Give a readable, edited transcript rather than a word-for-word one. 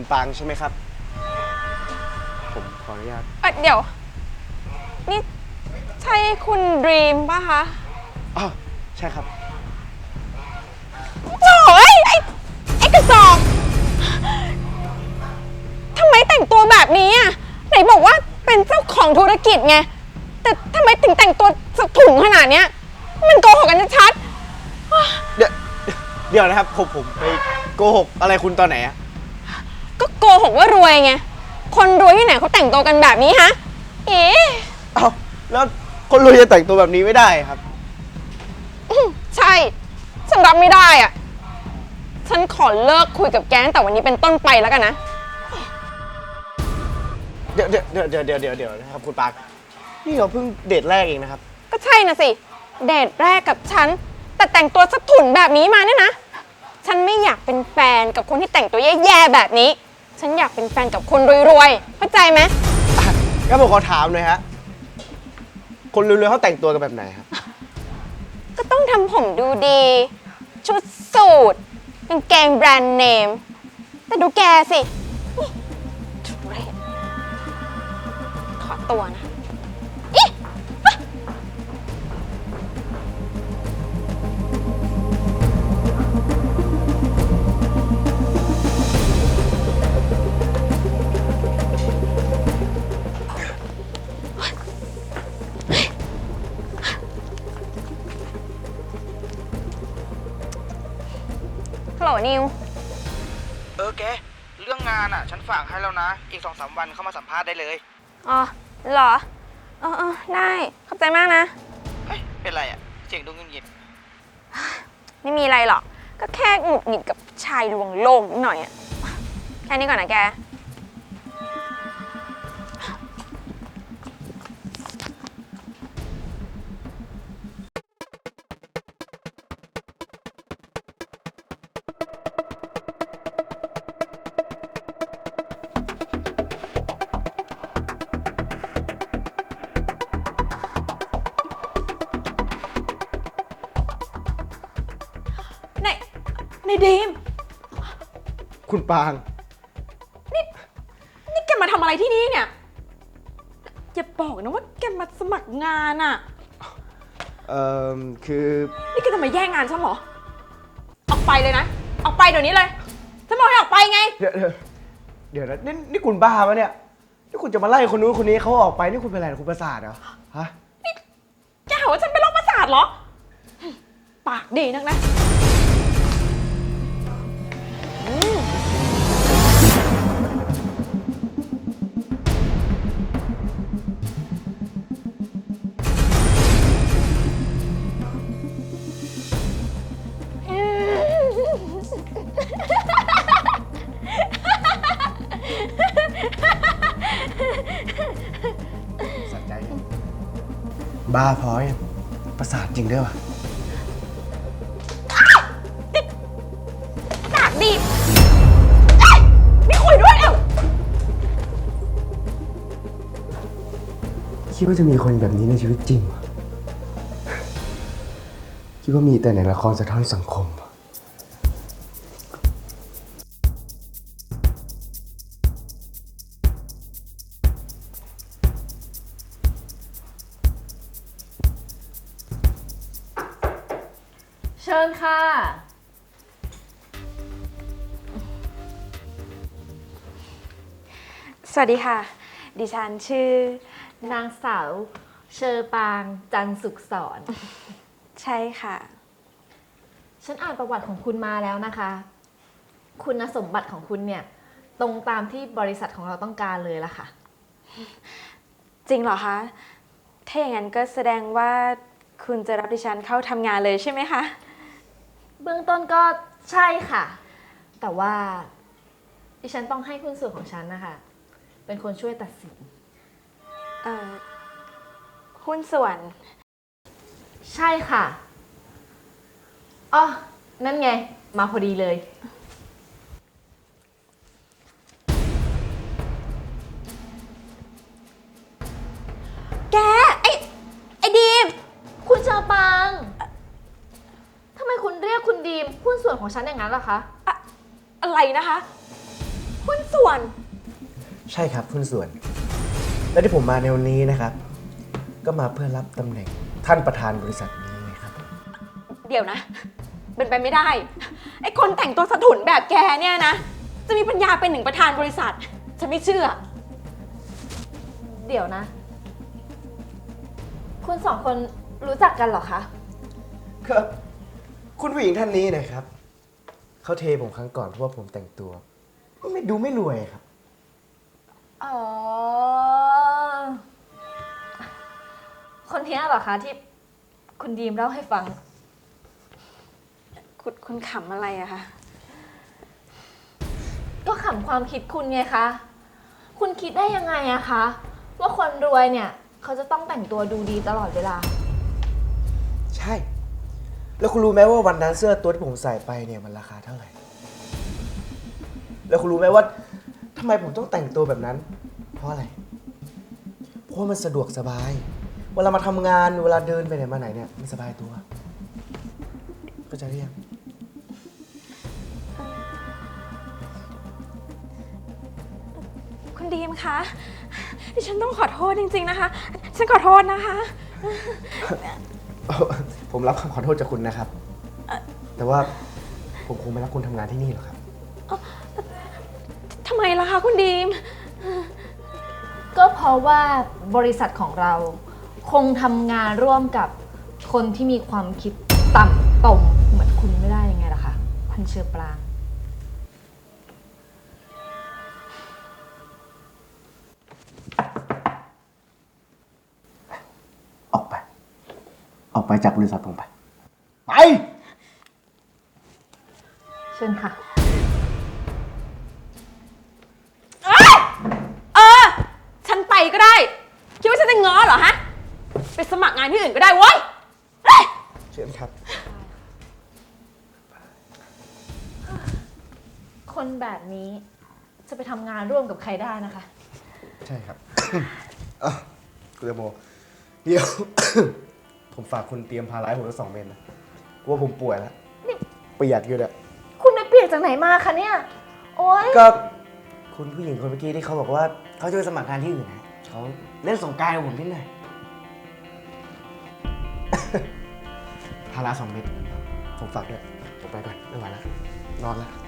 ปางใช่ไหมครับผมขออนุญาตเดี๋ยวนี่ใช่คุณดรีมป่ะคะอ๋อใช่ครับโถ่ไอ้กระจอกทำไมแต่งตัวแบบนี้อ่ะไหนบอกว่าเป็นเจ้าของธุรกิจไงแต่ทำไมถึงแต่งตัวสะถุงขนาดเนี้ยมันโกหกกันชัดเดี๋ยวนะครับผมไปโกหกอะไรคุณตอนไหนอะก็โกหกว่ารวยไงคนรวยที่ไหนเขาแต่งตัวกันแบบนี้ฮะเอ๊ะเอาแล้วคนรวยจะแต่งตัวแบบนี้ไม่ได้ครับใช่ฉันรับไม่ได้อ่ะฉันขอเลิกคุยกับแกตั้งแต่วันนี้เป็นต้นไปแล้วกันนะเดี๋ยวนะครับคุณปางนี่เราเพิ่งเดทแรกเองนะครับก็ใช่นะสิเดทแรกกับฉันแต่แต่งตัวสะถุนแบบนี้มาเนี่ยนะฉันไม่อยากเป็นแฟนกับคนที่แต่งตัวแย่ๆแบบนี้ฉันอยากเป็นแฟนกับคนรวยๆเข้าใจไหมงั้นผมขอถามหน่อยฮะคนรวยๆเขาแต่งตัวกันแบบไหนครับก็ต้องทำผมดูดีชุดสูทกางเกงแบรนด์เนมแต่ดูแกสิชุดเรศขอตัวนะฮัลโหลนิวแกเรื่องงานอ่ะฉันฝากให้แล้วนะอีก2-3 วันเข้ามาสัมภาษณ์ได้เลยอ๋อเหรอได้ขอบใจมากนะเฮ้ยเป็นไรอ่ะเสียงดูเงียบไม่มีอะไรหรอกก็แค่หงุดหงิดกับชายลวงโลกนิดหน่อยอะแค่นี้ก่อนนะแกในดีมคุณปางนี่แกมาทำอะไรที่นี่เนี่ยอย่าบอกนะว่าแกมาสมัครงานอะคือนี่แกจะมาแย่งงานฉันเหรอออกไปเลยนะออกไปเดี๋ยวนี้เลยฉันบอกให้ออกไปไงเดี๋ยวนะนี่คุณบ้าปะเนี่ยนี่คุณจะมาไล่คนนู้นคนนี้เขาออกไปนี่คุณเป็นอะไรคุณประสาทเหรอฮะนี่แกหาว่าฉันเป็นโรคประสาทเหรอปากดีนักนะสะใจบ้าพอยังประสาทจริงด้วยวะปากดีไม่คุยด้วยแล้วคิดว่าจะมีคนแบบนี้ในชีวิตจริงวะคิดว่ามีแต่ในละครสะท้อนสังคมเชิญค่ะสวัสดีค่ะดิฉันชื่อนางสาวเชอปางจันสุขสอนใช่ค่ะฉันอ่านประวัติของคุณมาแล้วนะคะคุณสมบัติของคุณเนี่ยตรงตามที่บริษัทของเราต้องการเลยล่ะค่ะจริงเหรอคะถ้าอย่างนั้นก็แสดงว่าคุณจะรับดิฉันเข้าทำงานเลยใช่ไหมคะเบื้องต้นก็ใช่ค่ะแต่ว่าดิฉันต้องให้หุ้นส่วนของฉันนะคะเป็นคนช่วยตัดสินหุ้นส่วนใช่ค่ะอ๋อนั่นไงมาพอดีเลยแกไอ้ดีมคุณเชอปางทำไมคุณเรียกคุณดีมหุ้นส่วนของฉันอย่างนั้นล่ะคะอะไรนะคะหุ้นส่วนใช่ครับหุ้นส่วน และที่ผมมาในวันนี้นะครับ ก็มาเพื่อรับตำแหน่งท่านประธานบริษัทนี้ไงครับเดี๋ยวนะ เป็นไปไม่ได้ ไอ้คนแต่งตัวสะถุนแบบแกเนี่ยนะ จะมีปัญญาเป็นหนึ่งประธานบริษัท ฉันไม่เชื่อเดี๋ยวนะ คุณสองคนรู้จักกันเหรอคะครับคุณผู้หญิงท่านนี้นะครับ เขาเทผมครั้งก่อนเพราะว่าผมแต่งตัวไม่รวยครับอ๋อ คนนี้เหรอคะที่คุณดีมเล่าให้ฟังคุณขำอะไรอะคะก็ขำความคิดคุณไงคะ คุณคิดได้ยังไงอะคะ ว่าคนรวยเนี่ย เขาจะต้องแต่งตัวดูดีตลอดเวลาใช่ แล้วคุณรู้ไหมว่าวันนั้นเสื้อตัวที่ผมใส่ไปเนี่ยมันราคาเท่าไหร่ แล้วคุณรู้ไหมว่าทำไมผมต้องแต่งตัวแบบนั้น เพราะอะไร เพราะมันสะดวกสบาย เวลามาทำงานเวลาเดินไปไหนมาไหนเนี่ยมันสบายตัวก็จะเรียกคุณดีมคะ ดิฉันต้องขอโทษจริงๆนะคะ ฉันขอโทษนะคะผมรับคำขอโทษจากคุณนะครับ แต่ว่าผมคงไม่รับคุณทำงานที่นี่หรอกครับทำไมล่ะคะคุณดีมก็เพราะว่าบริษัทของเราคงทำงานร่วมกับคนที่มีความคิดต่ำตมเหมือนคุณไม่ได้ยังไงล่ะคะ คุณเชอปรางออกไป ออกไปจากบริษัทผมไป ไปเชิญค่ะฉันไปก็ได้ คิดว่าฉันจะง้อเหรอฮะ ไปสมัครงานที่อื่นก็ได้เว้ยเชิญครับคนแบบนี้จะไปทำงานร่วมกับใครได้นะคะใช่ครับ คุณแตงโมเดี๋ยว ผมฝากคุณเตรียมพาร้ายผมทั้ง2 เมตรนะกลัวผมป่วยแล้วเปียกอยู่เนี่ยคุณไปเปียกจากไหนมาคะเนี่ย โอ๊ยก็คุณผู้หญิงคนเมื่อกี้ที่เขาบอกว่าเขาจะไปสมัครงานที่อื่นนะเขาเล่นสงกรานต์กับผมนิดหน่อย พารา2 เม็ดผมฝากด้วยผมไปก่อนไม่ไหวแล้วนอนแล้ว